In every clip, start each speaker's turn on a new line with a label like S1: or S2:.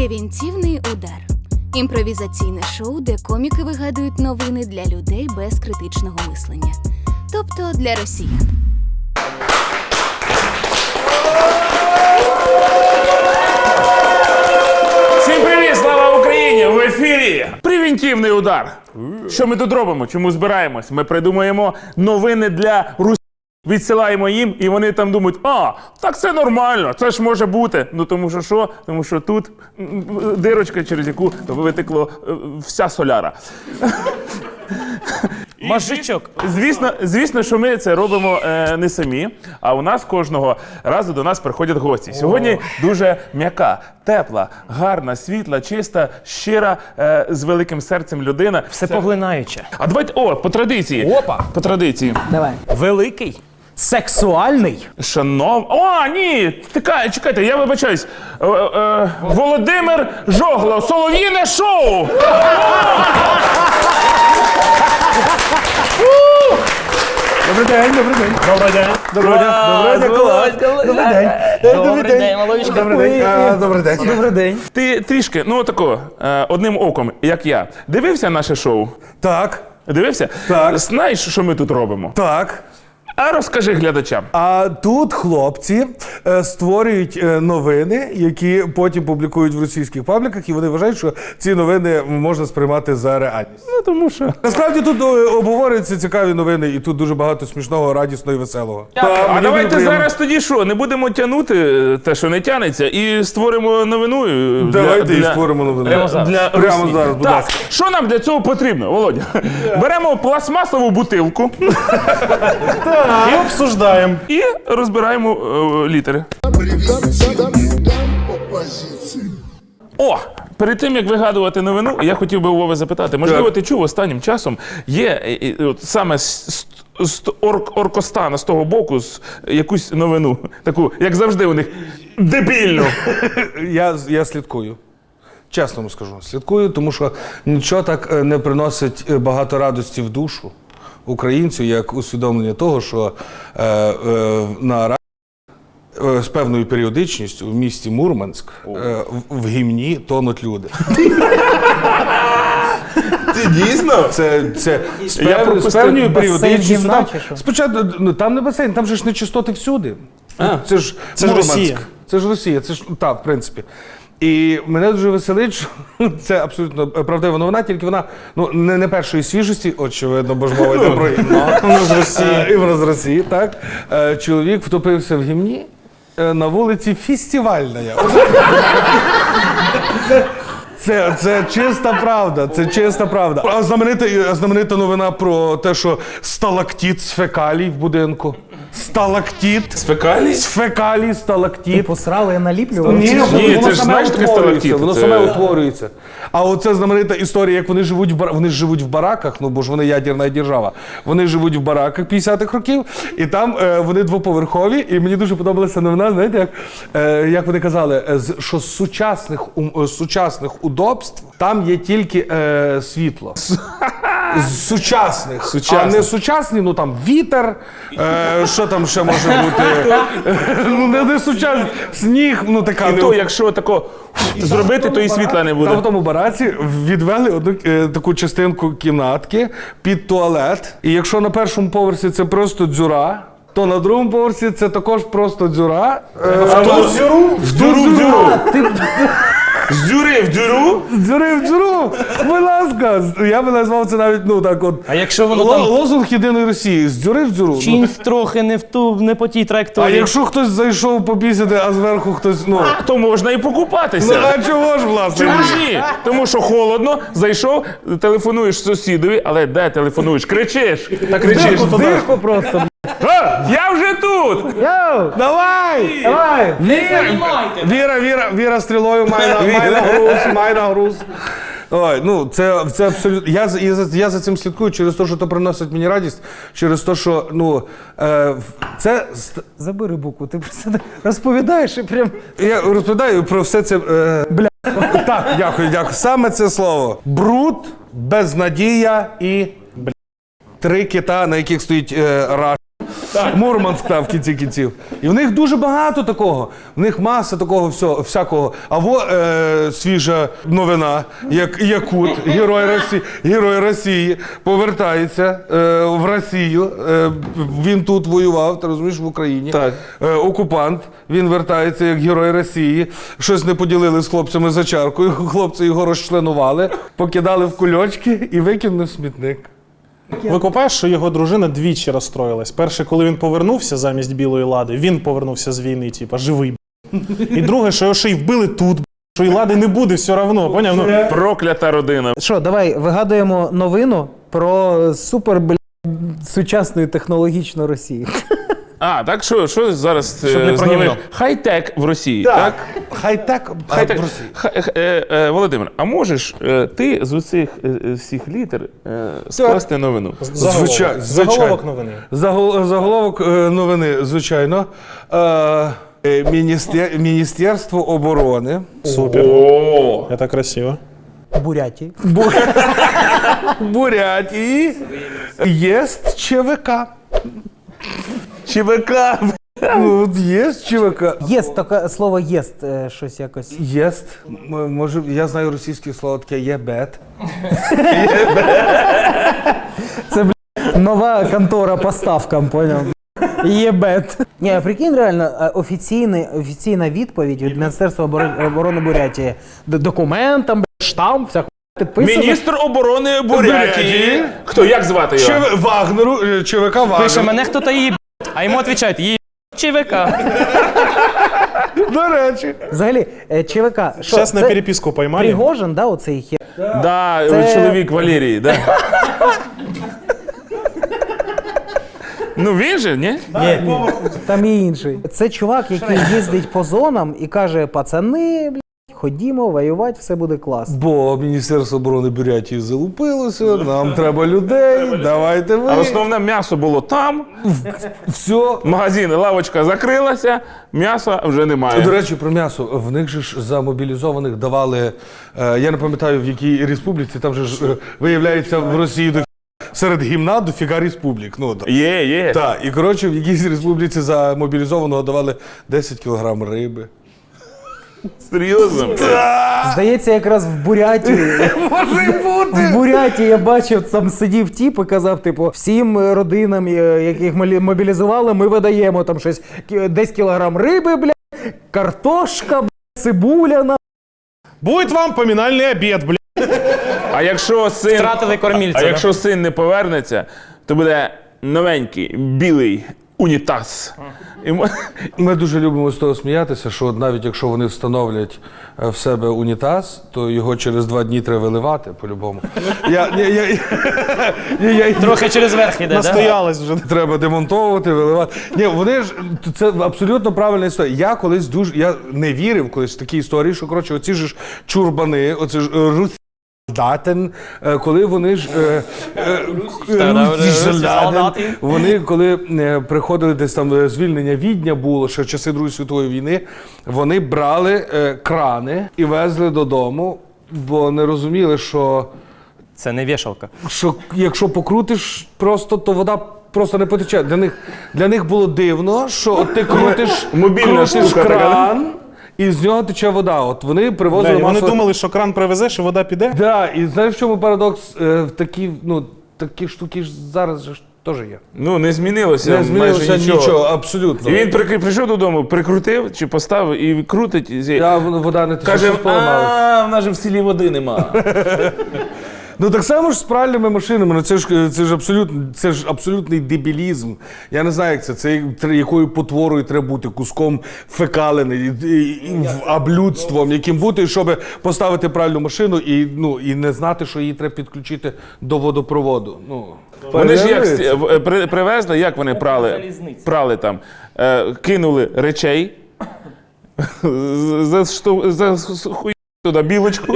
S1: Превентивний удар. Імпровізаційне шоу, де коміки вигадують новини для людей без критичного мислення. Тобто для росіян.
S2: Всім привіт! Слава Україні! В ефірі превентивний удар. Що ми тут робимо? Чому збираємось? Ми придумуємо новини для Русі. Відсилаємо їм, і вони там думають, так це нормально, це ж може бути. Ну тому що що? Тому що тут дирочка, через яку витекло вся соляра.
S3: Мажичок.
S2: Звісно, що ми це робимо не самі, а у нас кожного разу до нас приходять гості. Сьогодні дуже м'яка, тепла, гарна, світла, чиста, щира, з великим серцем людина.
S3: Все поглинаюче.
S2: А давайте, по традиції.
S3: Опа.
S2: По традиції.
S3: Давай. Великий. Сексуальний.
S2: Ні, чекайте, я вибачаюсь. Володимир Жогло, Солов'їне шоу!
S4: Добрий день, добрий день.
S3: Добрий день.
S4: Добрий день, добрий день.
S3: Добрий день. Добрий день, маловичка.
S4: Добрий день. Добрий день.
S3: Добрий день.
S2: Ти трішки, одним оком, як я, дивився наше шоу?
S4: Так,
S2: Дивився?
S4: Так.
S2: Знаєш, що ми тут робимо?
S4: так.
S2: А розкажи глядачам.
S4: А тут хлопці створюють новини, які потім публікують в російських пабліках, і вони вважають, що ці новини можна сприймати за реальність.
S2: Ну, тому що...
S4: Насправді тут обговорюються цікаві новини, і тут дуже багато смішного, радісного і веселого.
S2: А давайте зараз тоді що, не будемо тягнути те, що не тягнеться, і створимо новину.
S4: Давайте і створимо новину.
S2: Прямо зараз.
S4: Прямо зараз, будь ласка.
S2: Що нам для цього потрібно, Володя? Беремо пластмасову бутилку
S3: І обсуждаємо.
S2: і розбираємо літери. Перед тим, як вигадувати новину, я хотів би у Вови запитати. Можливо, ти чув останнім часом, є саме з Оркостана, з того боку, якусь новину, таку, як завжди у них, дебільну.
S4: Я слідкую. Чесно вам скажу, слідкую, тому що нічого так не приносить багато радості в душу українцю, як усвідомлення того, що на з певною періодичністю в місті Мурманськ в гімні тонуть люди.
S2: Ти дійсно?
S4: Це з певною періодичністю. Спочатку, там не басейн, там же ж нечистоти всюди. Це ж
S3: Росія.
S4: Це ж Росія, це ж, так, в принципі. І мене дуже веселить, що це абсолютно правдива новина, тільки вона не першої свіжості, очевидно, бо ж мова йде про вона з Росії. І вона з Росії, так. Чоловік втопився в гімні на вулиці Фестивальная. Це чиста правда, це чиста правда. А знаменита новина про те, що сталактит з фекалій в будинку. Сталактит.
S2: З фекалій?
S4: З фекалій, сталактит.
S3: Посрали і наліплювали?
S2: Ні, це ж знаєш таке сталактит.
S4: Воно саме утворюється. А оце знаменита історія, як вони живуть в бараках, бо ж вони ядерна держава. Вони живуть в бараках 50-х років, і там вони двоповерхові, і мені дуже подобалася новина, знаєте, як вони казали, що з сучасних удобств там є тільки світло. З сучасних. А не сучасні, там вітер, що там ще може бути? Не сучасний, сніг, така.
S2: І то, якщо тако зробити, то і світла не буде.
S4: Там в тому бараці відвели одну таку частинку кімнатки під туалет. І якщо на першому поверсі це просто дзюра, то на другому поверсі це також просто дзюра.
S2: В дюру. З дюри в дюру?
S4: З дюри в дюру! Будь ласка! Я би назвав це навіть, так от.
S3: А якщо воно там...
S4: Лозунг єдиної Росії. З дюри в дюру.
S3: Чимсь трохи не по тій траєкторії.
S4: А якщо хтось зайшов попісяти, а зверху хтось,
S2: То можна і покупатися.
S4: А чого ж, власне?
S2: Чому ж ні? Тому що холодно, зайшов, телефонуєш сусідові, але де телефонуєш? Кричиш.
S4: Так кричиш.
S3: Дирку просто.
S2: Я вже тут!
S3: Йоу!
S4: Давай!
S3: Давай!
S4: Віра стрілою має на груз. Ой, це абсолютно. Я за цим слідкую через те, що то приносить мені радість, через те, що, це...
S3: Забери букву, ти просто розповідаєш і прям...
S4: Я розповідаю про все це... Бля. Так, дякую. Саме це слово. Бруд, безнадія і... Три кита, на яких стоїть раш. Мурманськ там в кінці кінців. І в них дуже багато такого. В них маса такого всякого. А свіжа новина, як Якут, герой Росії, повертається в Росію. Він тут воював, ти розумієш, в Україні.
S2: Так.
S4: Окупант, він вертається як герой Росії. Щось не поділили з хлопцями за чаркою. Хлопці його розчленували, покидали в кульочки і викинули в смітник.
S5: Викупаєш, що його дружина двічі розстроїлась. Перше, коли він повернувся замість білої лади, він повернувся з війни, типа, живий. І друге, що його ще й вбили тут, що і лади не буде все одно, поняв? Ну,
S2: Проклята родина.
S3: Що, давай вигадуємо новину про супер, сучасну технологічну Росію.
S2: А, так що зараз
S5: Щоб не
S2: з
S5: про
S2: новин?
S5: гімно.
S2: Хай-тек в Росії, так?
S4: Хай-тек
S2: Хай-тек.
S4: в Росії.
S2: Володимир, а можеш ти з усіх всіх літер скласти новину?
S4: Звичайно.
S5: Заголовок новини.
S4: Заголовок новини, звичайно. Міністерство оборони.
S5: Супер.
S2: О,
S5: Це красиво.
S3: Буряті.
S4: Бурятії єсть ЧВК.
S2: ЧВК.
S4: Ну, єсть ЧВК.
S3: Єст, таке слово єст, щось якось.
S4: Єсть. Може, я знаю російське слово таке єбет.
S3: Це, нова контора по ставкам, поняв? Єбет. Ні, а прикинь, реально, офіційна відповідь від Міністерства оборони Бурятії. Документам, штамп, вся хуйня підписана.
S2: Міністр оборони Бурятії.
S4: Бурятії.
S2: Хто, як звати його?
S4: Вагнеру, ЧВК Вагнеру.
S6: Пише, мене хто-то їб, а йому відповідають, їб ЧВК.
S4: До речі.
S3: Взагалі, ЧВК, що
S5: Зараз на
S3: це
S5: переписку поймали.
S3: Пригожин, да, оцей хер?
S2: Да,
S3: Це-
S2: чоловік Валерії, да. Ну він же, ні?
S3: Ні, там і інший. Це чувак, який їздить по зонам і каже, пацани, блядь, ходімо воювати, все буде класно.
S4: Бо Міністерство оборони Бурятії залупилося, нам треба людей, давайте ви.
S2: А основне м'ясо було там,
S4: Все.
S2: магазин, лавочка закрилася, м'яса вже немає.
S4: До речі, про м'ясо. В них же ж за мобілізованих давали, я не пам'ятаю в якій республіці, там же ж виявляється в Росії серед гімна дофіга республік. Ну,
S2: Є.
S4: так, і коротше в якійсь республіці за мобілізованого давали 10 кілограм риби.
S2: Серйозно?
S3: Здається, якраз в Бурятії.
S4: Може бути!
S3: В Бурятії я бачив, там сидів тіп і казав, типу, всім родинам, яких мобілізували, ми видаємо там щось, десь кілограм риби, блядь, картошка, блядь, цибуля, на.
S5: Будет вам поминальный обед, блядь.
S2: А якщо
S6: Втратили кормільця, да?
S2: якщо син не повернеться, то буде новенький білий унітаз.
S4: Ми дуже любимо з того сміятися, що от навіть якщо вони встановлять в себе унітаз, то його через 2 дні треба виливати по-любому.
S6: Трохи через верх іде, да?
S5: Настоялась вже.
S4: Треба демонтовувати, виливати. Ні, вони ж це абсолютно правильна історія. Я колись я не вірив колись в такі історії, що коротше, оці ж чурбани, оці ж Датен, коли вони ж
S6: солдати.
S4: вони коли приходили десь там звільнення Відня було ще в часи Другої світової війни, вони брали крани і везли додому, бо не розуміли, що
S6: Це не вішалка.
S4: якщо покрутиш просто, то вода просто не потече. Для них було дивно, що от ти крутиш
S2: Мобільна штука така,
S4: кран, і з нього тече вода. От вони привозили
S5: Вони
S4: масово.
S5: думали, що кран привезеш і вода піде.
S4: Да, і знаєш, в чому парадокс? Такі штуки ж зараз же ж теж є.
S2: Ну, не змінилося,
S4: Не змінилося
S2: майже
S4: нічого, абсолютно.
S2: І він прийшов додому, прикрутив чи поставив і крутить.
S4: Вода не тече,
S2: Каже,
S4: щось поламалось.
S2: в нас же в селі води нема.
S4: Ну так само ж з пральними машинами. Ну це ж абсолютний дебілізм. Я не знаю, як це. Це якою потворою треба бути, куском фекалини, облюдством, яким бути, щоб поставити пральну машину і не знати, що її треба підключити до водопроводу.
S2: Вони ж як привезли, як вони прали там, кинули речей, хуй туди білочку.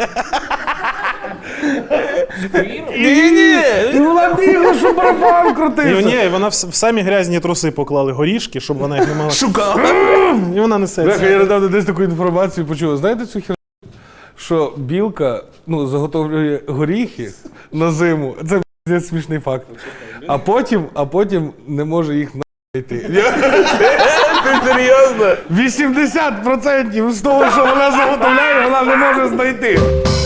S4: І була бігла, що барабан
S5: І
S4: крутився.
S5: вона в самі грязні труси поклали горішки, щоб вона їх не мала.
S2: Шукала.
S5: І вона несеться.
S4: Я недавно десь таку інформацію почув. Знаєте цю херню? Що білка заготовлює горіхи на зиму. Це смішний факт. А потім не може їх знайти.
S2: Ти серйозно?
S4: 80% з того, що вона заготовляє, вона не може знайти.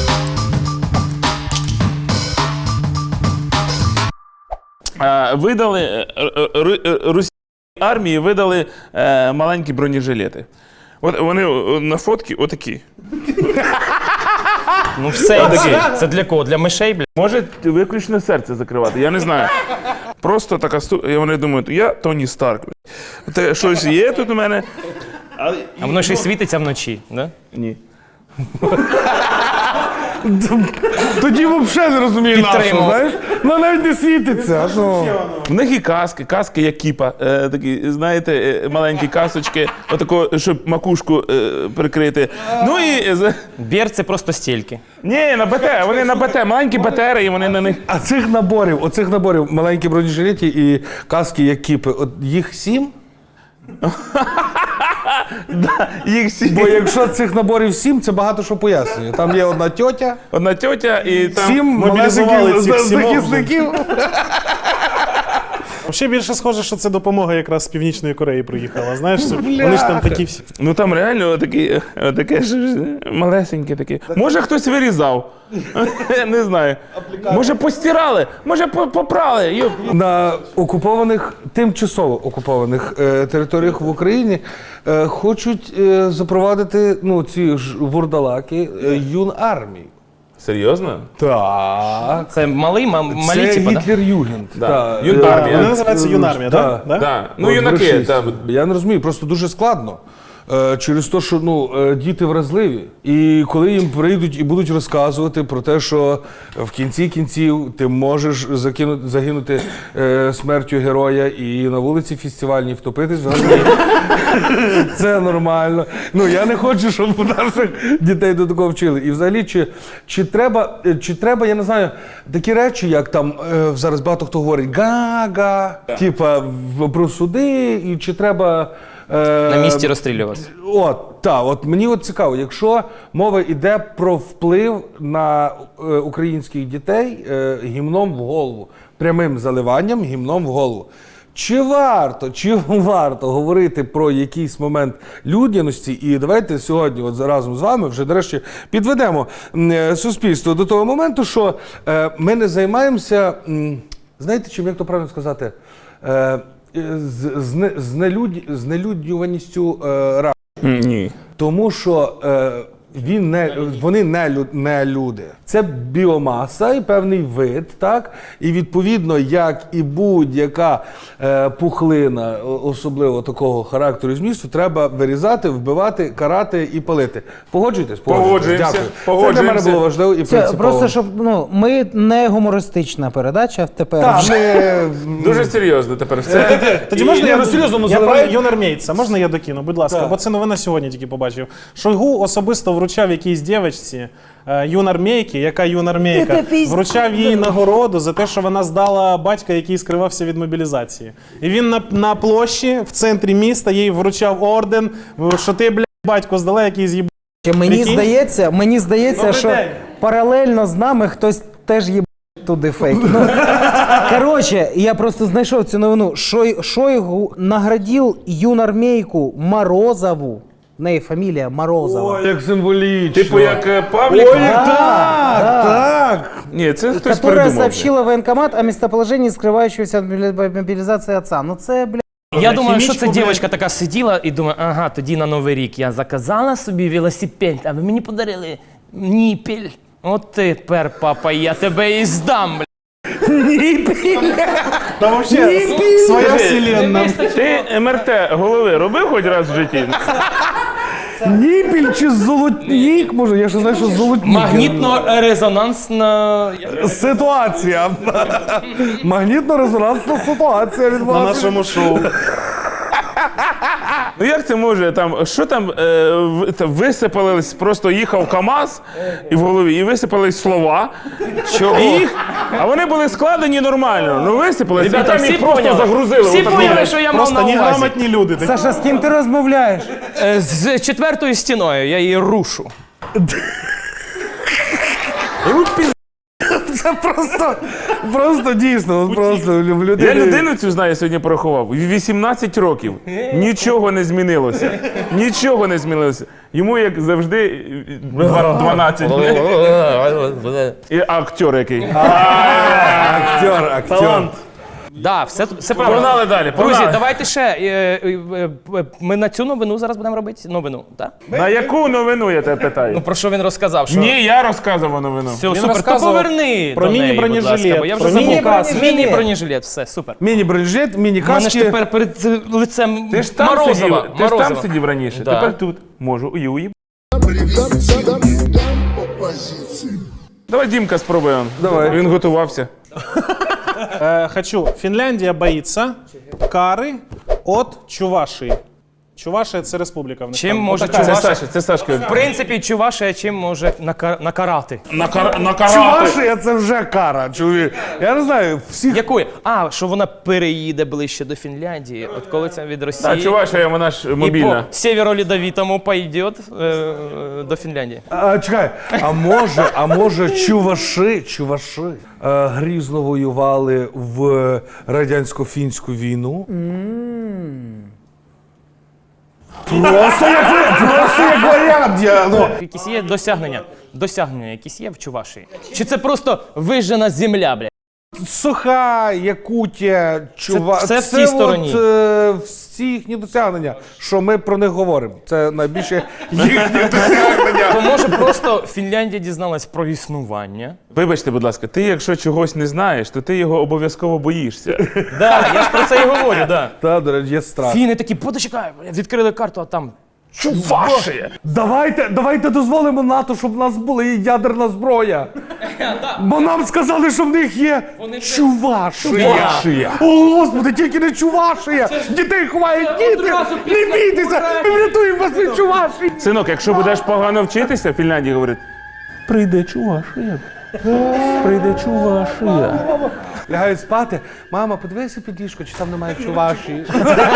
S2: Видали російській армії видали маленькі бронежилети. От вони на фотці отакі.
S6: Ну все, це для кого? Для мишей, бля?
S2: Може виключно серце закривати, я не знаю. Просто така і вони думають, я Тоні Старк. Те щось є тут у мене.
S6: А воно ще й світиться вночі, да?
S2: Ні.
S4: Тоді взагалі не розумію нашу,
S6: Підтримав.
S4: знаєш? Ну навіть не світиться. Ну.
S2: В них і каски як кіпа, такі, знаєте, маленькі касочки, отако, щоб макушку прикрити. Ну і...
S6: Бір це просто стільки.
S2: Ні, на БТ, вони на БТ, маленькі БТРи, і вони на них...
S4: А оцих наборів, маленькі бронежилети і каски як кіпи, от їх 7?
S2: Їх всі...
S4: Бо якщо цих наборів 7, це багато що пояснює. Там є одна тьотя,
S2: Одна тьотя і там...
S4: 7
S5: мобілізували
S4: малесеньких
S5: цих сімох вже.
S4: захисників.
S5: Ще більше схоже, що це допомога якраз з Північної Кореї приїхала. Знаєш, вони ж там такі всі.
S2: Ну там реально таке ж малесеньке таке. Може хтось вирізав. Не знаю. Може постирали, може попрали.
S4: На окупованих, тимчасово окупованих територіях в Україні хочуть запровадити ці ж вурдалаки юнармію.
S2: Серйозно?
S4: Так.
S6: Це малі, малі,
S4: Це
S6: типа, да?
S4: Гітлер-Югенд.
S2: Да.
S4: Так.
S2: Юнармія.
S5: Вони називаються юнармія,
S4: Да.
S5: так?
S2: Так. Ну,
S4: От
S2: юнаки.
S4: грошист.
S2: Там.
S4: Я не розумію, просто дуже складно. Через те, що діти вразливі. І коли їм прийдуть і будуть розказувати про те, що в кінці кінців ти можеш загинути смертю героя і на вулиці фестивальній втопитись, це нормально. Ну я не хочу, щоб наших дітей до такого вчили. І взагалі, чи треба, я не знаю, такі речі, як там зараз багато хто говорить га-га, типа про суди, і чи треба.
S6: На місці розстрілювати.
S4: От мені цікаво, якщо мова йде про вплив на українських дітей гімном в голову, прямим заливанням гімном в голову. Чи варто говорити про якийсь момент людяності? І давайте сьогодні разом з вами вже, нарешті, підведемо суспільство до того моменту, що ми не займаємося, знаєте чим, як то правильно сказати, знелюднюваністю рашки.
S2: Ні.
S4: Тому що вони не люди. Це біомаса і певний вид, так? І відповідно, як і будь-яка пухлина, особливо такого характеру і змісту, треба вирізати, вбивати, карати і палити. Погоджуєтесь?
S2: Погоджуємося.
S4: Дякую. Це для мене було важливо і
S3: Це
S4: принципово.
S3: просто щоб ми не гумористична передача тепер.
S4: Так,
S2: Дуже серйозно тепер все.
S5: Тоді можна я
S4: серйозно
S5: я про
S4: заливаю?
S5: юнармійця, можна я докину, будь ласка,
S4: Так.
S5: бо це новина сьогодні тільки побачив. Шойгу особисто вручав якійсь дівчинці юнармійки, яка юнармійка, вручав їй нагороду за те, що вона здала батька, який скривався від мобілізації. І він на площі в центрі міста їй вручав орден, що ти, блядь, батько здала, який з'їбав.
S3: Мені здається,
S5: Добрий
S3: що
S5: день.
S3: паралельно з нами хтось теж їбав туди фейк. Коротше, я просто знайшов цю новину. Шойгу наградив юнармійку Морозову. В неї фамілія Морозова.
S4: Як символічно.
S2: Типу як Павлік?
S4: Так.
S2: Ні, це хтось
S3: Которая
S2: придумав.
S3: сообщила в военкомат о местоположении скрывающегося от мобилизации отца. Ну це, бля.
S6: Я думаю, що це
S5: хімічку, блядь.
S6: дівчинка така сиділа і думає, ага, тоді на Новий рік я заказала собі велосипед, а ви мені подарили ніпіль. От тепер, папа, я тебе і здам, бля.
S5: Та взагалі, своя вселенна.
S2: Ти МРТ голови робив хоч раз в житті?
S4: Ніпіль чи золотнік, може? Я ще знаю, що золотнік.
S6: Магнітно-резонансна...
S4: Ситуація. Магнітно-резонансна ситуація
S5: На
S4: відбулася.
S5: нашому шоу.
S2: Ну як це може там, що там висипались, просто їхав КАМАЗ і в голові, і висипались слова.
S6: Чого?
S2: А вони були складені нормально. Ну висипались, а
S6: Ребята,
S2: там
S6: всі
S2: їх просто
S6: поняли.
S2: загрузили.
S6: Всі
S2: отак
S6: поняли,
S2: от.
S6: що я мав
S5: Просто
S6: на увазі.
S5: неграмотні люди. такі.
S3: Саша, з ким ти розмовляєш?
S6: З четвертою стіною я її рушу.
S4: Це просто дійсно, просто в людини.
S2: Я людину цю знаю, сьогодні порахував. 18 років. Нічого не змінилося. Нічого не змінилося. Йому, як завжди, 12. І актер який.
S4: Актер.
S6: Да, все правильно.
S2: Погнали далі,
S6: Друзі,
S2: погнали.
S6: давайте ще. Ми на цю новину зараз будемо робити новину, так?
S2: На яку новину, я тебе питаю?
S6: Ну про що він розказав? Що...
S2: Ні, я розказував новину.
S6: Все,
S5: Він
S6: супер, то
S5: розказував
S6: поверни
S5: про
S6: до неї,
S5: міні-бронежилет,
S6: будь ласка, бо я вже
S5: про
S6: забув.
S5: міні-каски.
S6: Міні-бронежилет, все, супер.
S4: Міні-бронежилет,
S6: У мене ж
S4: міні-каски.
S6: тепер перед лицем
S2: Ти ж там
S6: Морозова.
S2: сидів, ти ж там
S6: Морозова.
S2: сидів раніше,
S6: Да.
S2: тепер тут. Можу і уїб.
S7: Позиции.
S2: Давай Дімка спробуємо.
S4: Давай.
S2: Він готувався.
S5: Хочу. Фінляндія боїться кари от Чувашії. Чувашія – це республіка в них.
S6: Чим
S5: там.
S6: може
S5: Отака.
S2: Це Саша, це Сашка.
S6: В принципі, Чувашія чим може накарати?
S2: Накарати.
S4: Чувашія це вже кара, чоловік. Я не знаю, всіх.
S6: Якої? А, що вона переїде ближче до Фінляндії, от коли це від Росії.
S2: А Чувашія, вона ж
S6: І
S2: мобільна.
S6: по Сєвєро-Ледовитому пойде до Фінляндії.
S4: Чекай, а може чуваші грізно воювали в радянсько-фінську війну? Просто як варіант.
S6: Якісь є досягнення? Досягнення якісь є в Чувашії? Чи це просто вижжена земля, бля?
S4: Суха, Якутія,
S6: це в тій стороні.
S4: Всі їхні досягнення, що ми про них говоримо. Це найбільше їхні досягнення.
S6: То може просто Фінляндія дізналась про існування?
S2: Вибачте, будь ласка, ти якщо чогось не знаєш, то ти його обов'язково боїшся.
S6: Да, я ж про це і говорю, да.
S4: Та, до речі, є страх.
S6: Фіни такі, почекай, відкрили карту, а там
S2: Чувашія!
S4: Давайте дозволимо НАТО, щоб в нас була ядерна зброя. Бо нам сказали, що в них є Чувашія. О, Господи, тільки не Чувашія. Дітей ховають діти. Не бійтеся, ми врятуємо вас від Чувашії.
S2: Синок, якщо будеш погано вчитися, в Фінляндії говорить, прийде Чувашія. Прийде Чувашія.
S4: Лягають спати. Мама, подивися під ліжко, чи там немає Чувашії.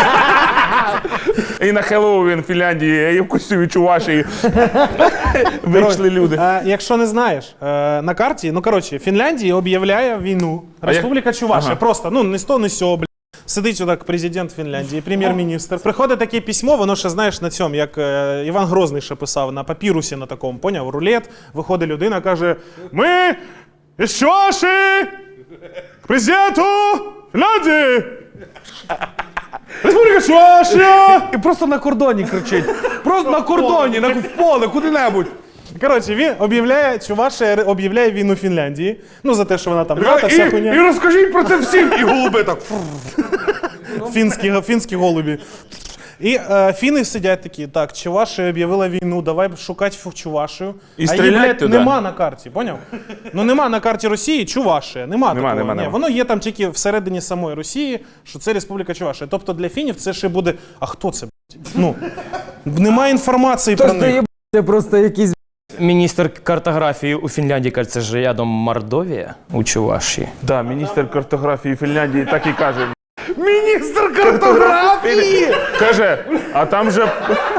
S2: І на Хеллоуін в Фінляндії, і в костюмі Чувашії. Вийшли люди.
S5: Якщо не знаєш, на карті, Фінляндія об'являє війну. Республіка Чувашія. Просто, не сто, не сьо, бля. Сидить отак президент Фінляндії, прем'єр-міністр. Приходить таке письмо, воно ще, знаєш, на цьому, як Іван Грозний ще писав, на папірусі на такому, поняв, рулет. Виходить людина, каже, ми із Чувашії к президенту Фінляндії. Республіка Чувашія!
S4: І просто на кордоні кричить. Просто на кордоні, в поле, куди-небудь.
S5: Коротше, він Чувашія об'являє війну Фінляндії. За те, що вона там НАТО, вся
S4: І
S5: хуйня.
S4: розкажіть про це всім. І голуби так.
S5: Фінські голубі. І фіни сидять такі, так, Чувашія об'явила війну, давай шукати Чувашію.
S2: І
S5: а її,
S2: стрілять
S5: блядь,
S2: туди.
S5: нема на карті, поняв? Нема на карті Росії Чувашія, нема такого. Ні, воно є там тільки всередині самої Росії, що це Республіка Чувашія. Тобто для фінів це ще буде, а хто це, блядь? Немає інформації про них.
S3: Це просто якісь
S6: Міністр картографії у Фінляндії каже, це ж рядом Мордовія у Чувашії.
S2: Да, міністр картографії Фінляндії так і каже.
S4: Міністр картографії!
S2: Каже, а там же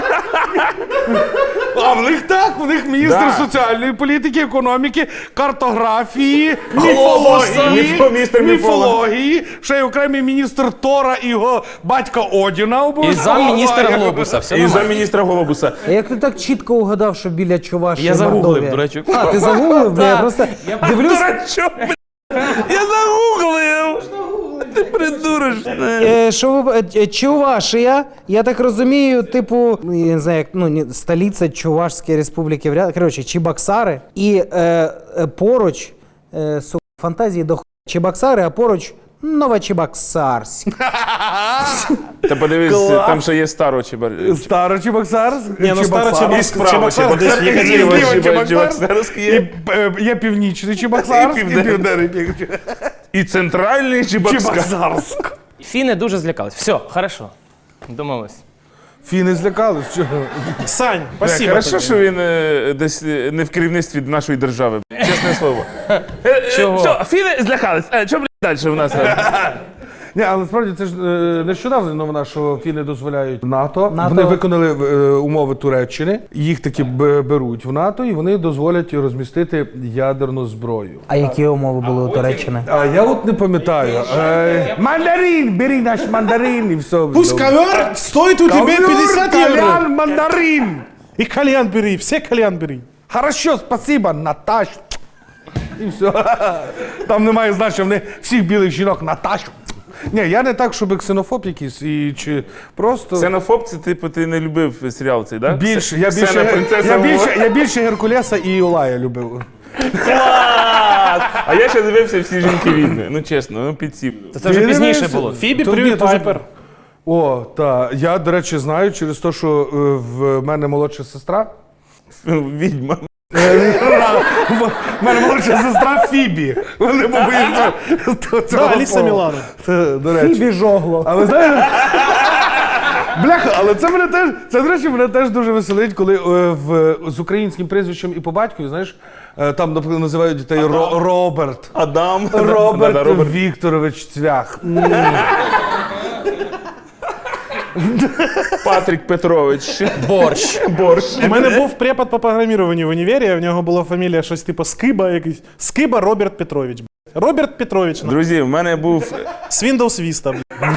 S4: А в них так, в них міністр
S2: Да.
S4: соціальної політики, економіки, картографії,
S2: Міністр
S4: міфології, ще й окремий міністр Тора і його батька Одіна
S6: І
S4: обов'язково.
S6: замміністра Глобуса, все
S2: і
S6: нормально.
S2: замміністра Глобуса.
S3: А як ти так чітко угадав, що біля Чувашії
S6: Я загуглив,
S3: Мордовія?
S6: до речі.
S3: А, ти загуглив? Бля, я просто дивлюсь.
S2: Дурачок, блядь. Я загуглив. Ти придуриш.
S3: Що Чувашія, я так розумію, типу, я не знаю, як, столиця Чувашської республіки, коротше, Чебоксари, і поруч, фантазії до Чебоксари, а поруч Новочебоксарськ.
S2: Та подивись, там ще є Старочебар.
S4: Старий Чебоксарськ.
S5: Старий Чебоксарськ десь в Єкатеринбурзі.
S2: Чебоксарськ є.
S4: Є північний Чебоксарськ і південний
S2: І центральний Чебоксарськ.
S4: Чебоксарськ.
S6: Фіни дуже злякались. Все, хорошо. Домовились.
S4: Фіни злякались. Чого?
S5: Сань, спасибо
S2: Хорошо,
S5: тобі.
S2: що він десь не в керівництві нашої держави. Чесне слово.
S6: Чого?
S2: Все, фіни злякались. Що, блядь, далі в нас?
S4: Ні, але насправді це ж нещодавно новина, що фіни дозволяють НАТО.
S3: НАТО.
S4: Вони виконали умови Туреччини, їх таки беруть в НАТО, і вони дозволять розмістити ядерну зброю.
S3: А які умови були у Туреччини?
S4: А я от не пам'ятаю. Мандарин, бери наш мандарин і все.
S5: Пусть ковер стоит у тебя 50 евро.
S4: Кальян, мандарин.
S5: И кальян бери, все кальян бери.
S4: Хорошо, спасибо, Наташ. І все. Там немає значення, вони всіх білих жінок Наташу. Ні, я не так, щоб ксенофоб якийсь, і чи просто...
S2: Ксенофоб, це типу ти не любив серіал цей, так?
S4: Більше, я більше Геркулеса і Юлая любив.
S2: Клас! А я ще дивився всі жінки відьми. Ну чесно, ну підсів.
S6: Це вже пізніше було.
S5: Фібі,
S4: То
S5: привіт,
S4: ні, то вже-
S5: Пайпер.
S4: О, так. Я, до речі, знаю через те, що в мене молодша сестра.
S2: Відьма.
S4: В мене молодша сестра Фібі. Вони побоїться цього
S5: Да, Аліса
S4: слова.
S5: Мілана.
S4: Це, до речі.
S3: Фібі жогло.
S4: А ви знаєте? Бляха, але це мене теж, це, до речі, мене теж дуже веселить, коли з українським прізвищем і по батькові, знаєш, там, наприклад, називають дітей Роберт.
S2: Адам.
S4: Роберт
S2: Да, Роберт.
S4: Вікторович Цвях.
S2: Патрік Петрович.
S6: Борщ.
S2: Борщ.
S5: У мене був препод по програмуванню в універі, в нього була фамілія щось типу Скиба якийсь. Скиба Роберт Петрович. Роберт Петрович.
S2: Друзі, в мене був...
S5: З Windows Vista.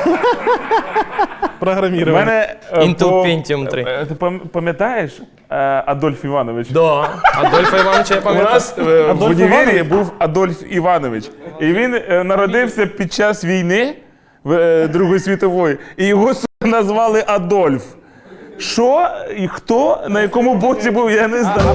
S2: В
S5: Програмірування.
S2: мене...
S6: Intel
S2: по-
S6: Pentium 3.
S2: Ти пам'ятаєш Адольф Іванович?
S6: Да. Адольфа Івановича я
S2: У
S6: пам'ятаю.
S2: нас в
S5: Адольф
S2: універі
S5: Іванович?
S2: був Адольф Іванович. І він народився під час війни Другої світової. І його назвали Адольф. Що і хто на якому боці був, я не знаю.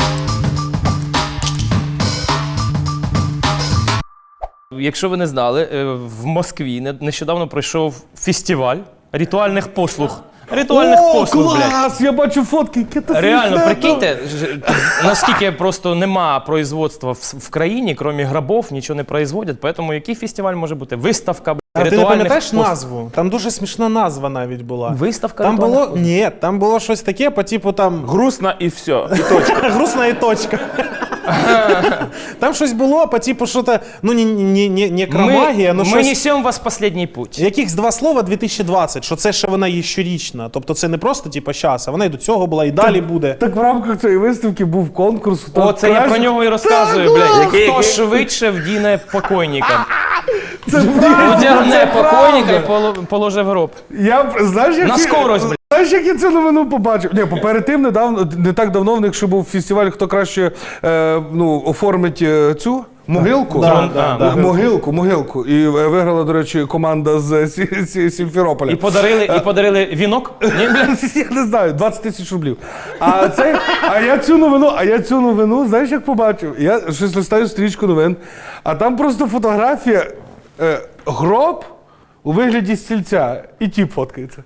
S6: Якщо ви не знали, в Москві нещодавно пройшов фестиваль ритуальних послуг. Ритуальних послуг, блядь.
S4: Клас! Я бачу фотки, яке це
S6: Реально,
S4: смішне.
S6: прикиньте, наскільки просто нема производства в країні, крім грабов, нічого не производять, поэтому який фестиваль може бути? Виставка, блядь,
S5: А ти не
S6: ритуальних
S5: пам'ятаєш
S6: послуг.
S5: назву? Там дуже смішна назва навіть була.
S6: Виставка
S5: Там
S6: ритуальних
S5: було,
S6: послуг.
S5: ні, там було щось таке, по типу там
S2: Грустно і все. І точка.
S5: грустна і точка. Там щось було по типу що-то, ну не некромагія, ну
S6: Ми
S5: щось.
S6: несемо вас в последній путь.
S5: Якихось два слова 2020, що це ще вона є щорічна. Тобто це не просто типу щас, а вона і до цього була, і далі буде.
S4: Так в рамках цієї виставки був конкурс.
S6: О, це я про нього і розказую,
S4: Так,
S6: блядь.
S2: який?
S6: Хто швидше вдіне покойника.
S4: Це правда,
S6: Одягне
S4: це
S6: покойника і
S4: правда.
S6: положи в гроб.
S4: Я, знаєш, як
S6: На скорость, блядь.
S4: Знаєш, як я цю новину побачив? Ні, перед тим не так давно в них ще був фестиваль, хто краще оформить цю могилку.
S5: Да.
S4: Могилку. І виграла, до речі, команда з Сімферополя.
S6: І подарили вінок? Ні, блядь.
S4: Я не знаю, 20 тисяч рублів. А я цю новину, знаєш, як побачив? Я щось листаю стрічку новин, а там просто фотографія, гроб у вигляді стільця, і тіп фоткається.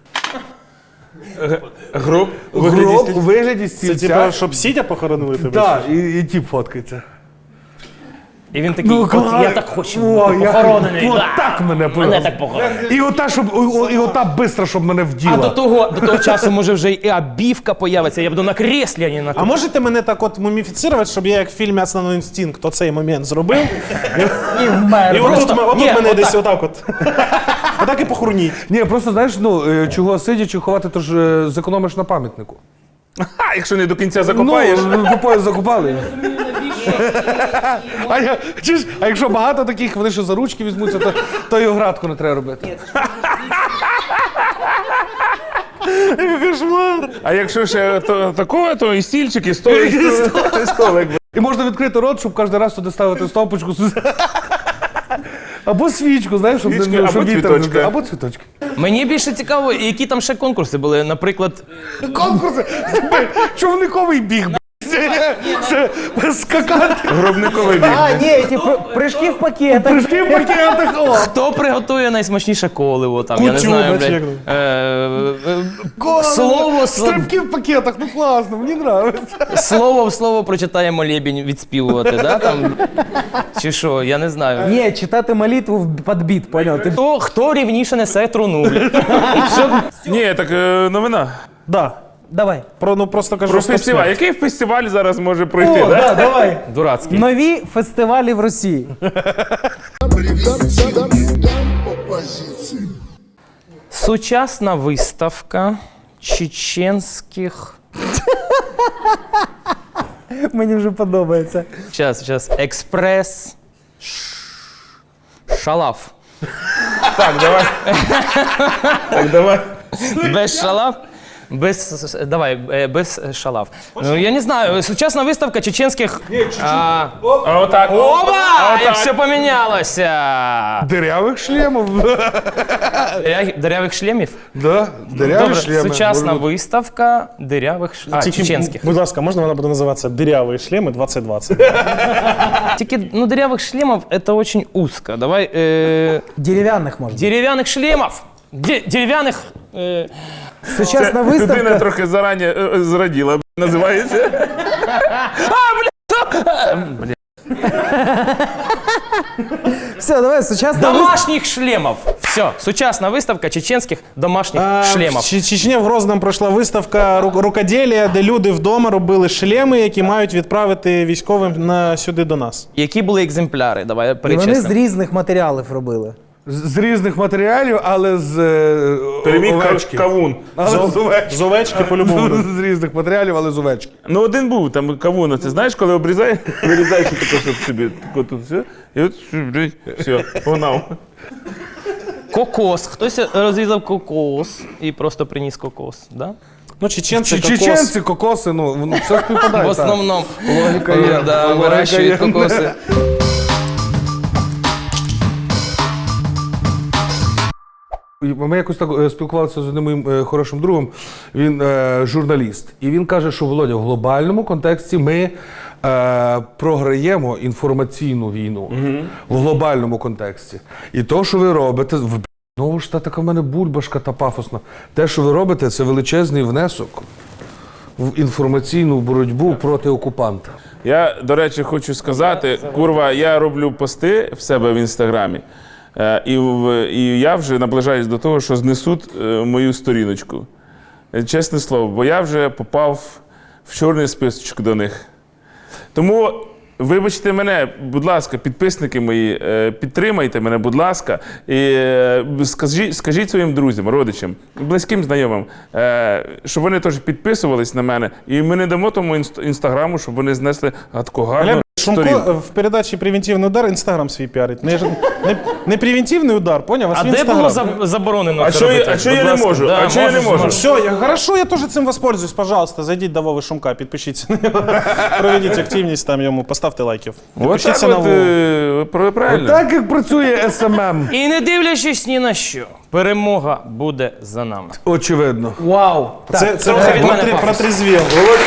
S2: Гроб у
S4: Гроб у вигляді
S5: Це
S4: стільця.
S5: типу, щоб сідя похоронили тебе?
S4: Так, і тіп фоткається.
S6: І він такий, от я так хочу
S4: О,
S6: бути похоронений.
S4: От
S6: да.
S4: так мене
S6: Мене так похоронили.
S4: І ота бистро, щоб мене вділа.
S6: А до того часу, може, вже і обівка появиться, я буду на креслі, а не на
S5: А можете мене так от муміфіцирувати, щоб я як в фільмі «Основний інстинкт» оцей момент зробив?
S3: І вмер.
S5: І отут
S6: Ні,
S5: мене
S6: отак.
S5: десь отак от. Отак і похороніть.
S4: Ні, просто знаєш, чого сидячи ховати, то ж зекономиш на пам'ятнику.
S2: А, якщо не до кінця закопаєш.
S4: По пояс закопали. А якщо багато таких, вони ще за ручки візьмуться, то й оградку не треба робити.
S2: А якщо ще такого, то і стільчик, і столик. І столик.
S4: І можна відкрити рот, щоб кожен раз туди ставити стовпочку. Або свічку, знаєш, щоб
S2: Свічки,
S4: не
S2: або
S4: щоб вітер
S2: цвіточки.
S4: не- Або цвіточки.
S6: Мені більше цікаво, які там ще конкурси були. Наприклад,
S4: Конкурси! Човниковий біг, це скакати,
S2: Гробниковий біг.
S3: А, ні, ті прыжки в пакетах.
S4: прыжки в пакетах. О!
S6: хто приготує найсмачніше коливо, там, я не
S5: Кутю,
S6: знаю,
S5: знаєш,
S6: блядь. Слово
S4: Стрибки в пакетах, ну класно, мені подобається.
S6: слово в слово прочитає молебень відспівувати, да, там? Чи що, я не знаю.
S3: Ні, читати молитву під біт, поняв? Ти
S6: Хто рівніше несе труну, блядь?
S2: Ні, так новина.
S5: Да.
S3: давай.
S5: Ну просто кажу,
S2: Про
S5: стоп,
S2: фестиваль.
S5: смерть.
S2: Який фестиваль зараз може пройти,
S3: О,
S2: да?
S3: да, давай.
S6: Дурацький.
S3: Нові фестивалі в Росії.
S7: Привет, задам по позиции.
S6: Сучасна виставка чеченських.
S3: Мені вже подобається.
S6: Сейчас. Експрес. Шалав.
S2: Так, давай. Так, давай.
S6: Без шалав? Без шалав. Ну, я не знаю, сучасна виставка чеченських.
S2: А отак.
S6: Оба! І все помінялося.
S4: Дирявих шлемів.
S6: Дирявих шлемів?
S4: Да, диряві
S6: Добре,
S4: шлеми.
S6: сучасна
S4: Може,
S6: виставка дирявих чеченських.
S5: Будь ласка, можна вона буде називатися «Диряві шлеми 2020».
S6: Тільки, ну, дырявых шлемов это очень узко. Давай,
S3: Дерев'яних можна.
S6: деревянных шлемов. Деревянных...
S3: Сучасна
S2: Людина
S3: виставка.
S2: трохи зарані зраділа, називається.
S3: Все, давай, сучасна виставка.
S6: Домашних шлемов. Все, сучасна виставка чеченських домашніх шлемов.
S5: В Чечні в Грозному пройшла виставка рукоділля, де люди вдома робили шлеми, які мають відправити військовим сюди до нас.
S6: Які були екземпляри? Давай
S3: І вони з
S6: перечислимо.
S3: різних матеріалів робили.
S4: з різних матеріалів, але з
S2: Переміг
S4: овечки.
S2: кавун.
S4: Але з овечки.
S5: З овечки по-любому.
S4: З різних матеріалів, але з овечки.
S2: Ну, один був, там кавун, це знаєш, коли обрізаєш, вирізаєш таке, щоб собі, тако тут все, і от, все, погнав.
S6: Кокос. Хтось розрізав кокос і просто приніс кокос, да?
S5: Ну, чеченці, кокос.
S4: Чеченці, кокоси, ну, воно все співпадає.
S6: В основному.
S4: Логіка є.
S6: Да,
S4: Логіка
S6: вирощують
S4: є.
S6: кокоси.
S4: Ми якось так спілкувалися з одним моїм хорошим другом, він журналіст. І він каже, що, Володя, в глобальному контексті ми програємо інформаційну війну. В глобальному контексті. І то, що ви робите, знову ж та така в мене бульбашка та пафосна. Те, що ви робите, це величезний внесок в інформаційну боротьбу проти окупанта.
S2: Я, до речі, хочу сказати, курва, я роблю пости в себе в інстаграмі, і я вже наближаюсь до того, що знесуть мою сторіночку. Чесне слово, бо я вже попав в чорний списочок до них. Тому вибачте мене, будь ласка, підписники мої, підтримайте мене, будь ласка, і скажіть своїм друзям, родичам, близьким знайомим, щоб вони теж підписувались на мене, і ми не дамо тому інстаграму, щоб вони знесли гадку гарну сторінку.
S5: Шумко в передачі «Превентивний удар» інстаграм свій піарить. Не превентивний удар, поняв?
S6: А
S5: свій
S6: де було
S5: Інстаграм.
S6: заборонено
S2: А
S6: це
S2: що
S6: робити?
S2: я не
S6: Будь ласка.
S2: можу?
S6: Да,
S2: А що я не можу?
S5: Все, хорошо, я теж цим воспользуюсь. Пожалуйста, зайдіть до Вови Шумка, підпишіться на нього. Проведіть активність там йому, поставте лайків.
S2: От
S5: Підпишіться
S2: так
S5: на
S2: от,
S5: Вову.
S2: правильно.
S4: Так, як працює СММ.
S6: І не дивлячись ні на що, перемога буде за нами.
S4: Очевидно.
S3: Вау.
S5: Це
S6: трохи від мене пафос.
S5: протрезвів.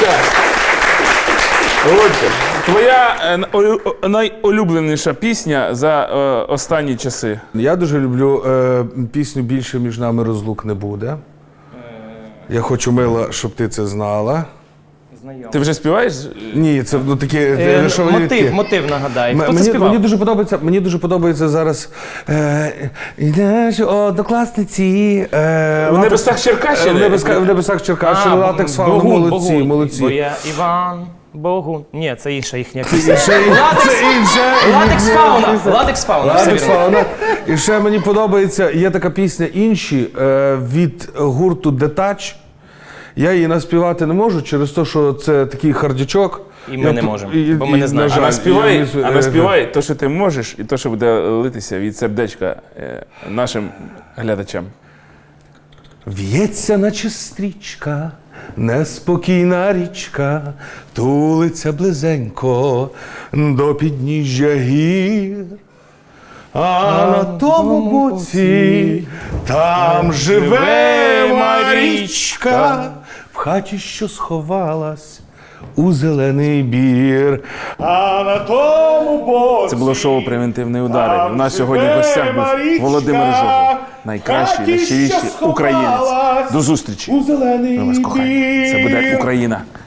S2: Володька, твоя найулюбленіша пісня за останні часи.
S4: Я дуже люблю пісню «Більше між нами розлук не буде». Я хочу, мила, щоб ти це знала.
S2: Ти вже співаєш?
S4: Ні, це ну, таке... що ви таке?
S6: Мотив нагадай. Хто це
S4: Мені
S6: співав?
S4: мені дуже подобається зараз «Ідеш однокласниці».
S2: У небесах Черкащини?
S4: В небесах Черкащини, латекс фауна, молодці,
S6: Бо
S4: молодці.
S6: я Іван Богун. Ні, це інша їхня
S4: Це
S6: пісня.
S4: інше.
S6: Латекс фауна. Латекс фауна. все
S4: Латекс
S6: вірно.
S4: фауна. І ще мені подобається, є така пісня «Інші» від гурту «Детач». Я її наспівати не можу через те, що це такий хардячок.
S6: І ми не можемо, бо ми не знаємо.
S2: А наспівай то, що ти можеш, і то, що буде литися від сердечка нашим глядачам.
S4: В'ється, наче стрічка, неспокійна річка, тулиться близенько до підніжжя гір. А на тому боці там живе Марічка, в хаті, що сховалась у зелений бір. А на тому боці
S2: Це було шоу «Превентивний удар». У нас сьогодні в гостях був Володимир Жогов. Найкращий, найщиріший українець. До зустрічі.
S4: у зелений
S2: Ми вас кохаємо. Це буде Україна.